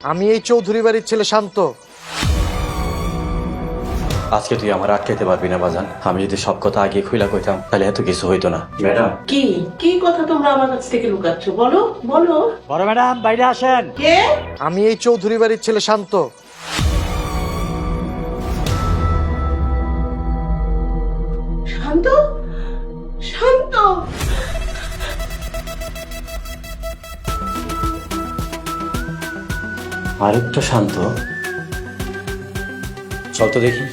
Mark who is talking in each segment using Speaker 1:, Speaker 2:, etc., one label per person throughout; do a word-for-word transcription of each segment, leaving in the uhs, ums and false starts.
Speaker 1: আমি এই চৌধুরী বাড়ির ছেলে শান্ত।
Speaker 2: আজকে তুই আমার আটকাইতে পারবি না বাজান। আমি যদি সব কথা আগে খুইলা কইতাম তাহলে এত কিছু হইতো না। ম্যাডাম,
Speaker 3: কি কি কথা তোমরা আমার কাছ থেকে লুকাচ্ছ? বলো বলো।
Speaker 4: বড় ম্যাডাম বাইরে আসেন।
Speaker 3: কে?
Speaker 1: আমি এই চৌধুরী বাড়ির ছেলে শান্ত।
Speaker 3: শান্ত? শান্ত?
Speaker 2: আরেকটু শান্ত। চল তো দেখি।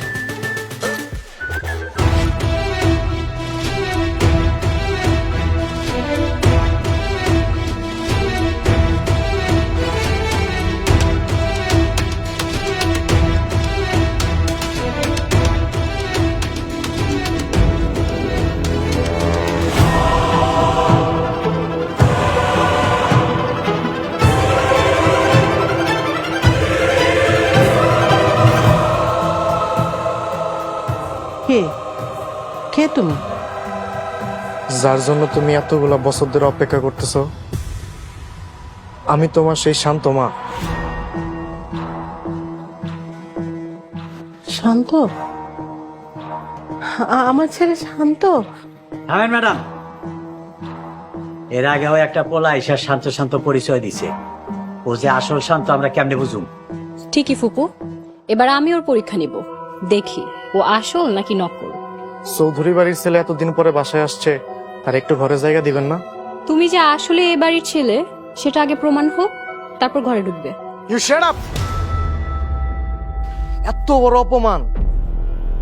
Speaker 3: কে? কে তুমি?
Speaker 1: যার জন্য তুমি এতগুলা বছর ধরে অপেক্ষা করতেছো, আমি তোমার সেই শান্ত মা।
Speaker 3: শান্ত? আ- আমার ছেলে শান্ত?
Speaker 4: থামেন ম্যাডাম। এর আগেও একটা পোলা ঈশার শান্ত শান্ত পরিচয় দিছে। ও যে আসল শান্ত আমরা কেমনে বুঝুম?
Speaker 5: ঠিকই ফুপু, এবার আমি ওর পরীক্ষা নিব, দেখি ও আসল নাকি নকল।
Speaker 1: চৌধুরী বাড়ির ছেলে এতদিন পরে বাসায় আসছে, আর একটু ঘরে জায়গা দিবেন না?
Speaker 5: তুমি যে আসলে এ বাড়ির ছেলে সেটা আগে প্রমাণ হোক, তারপর ঘরে ঢুকবে।
Speaker 1: You shut up! এত বড় অপমান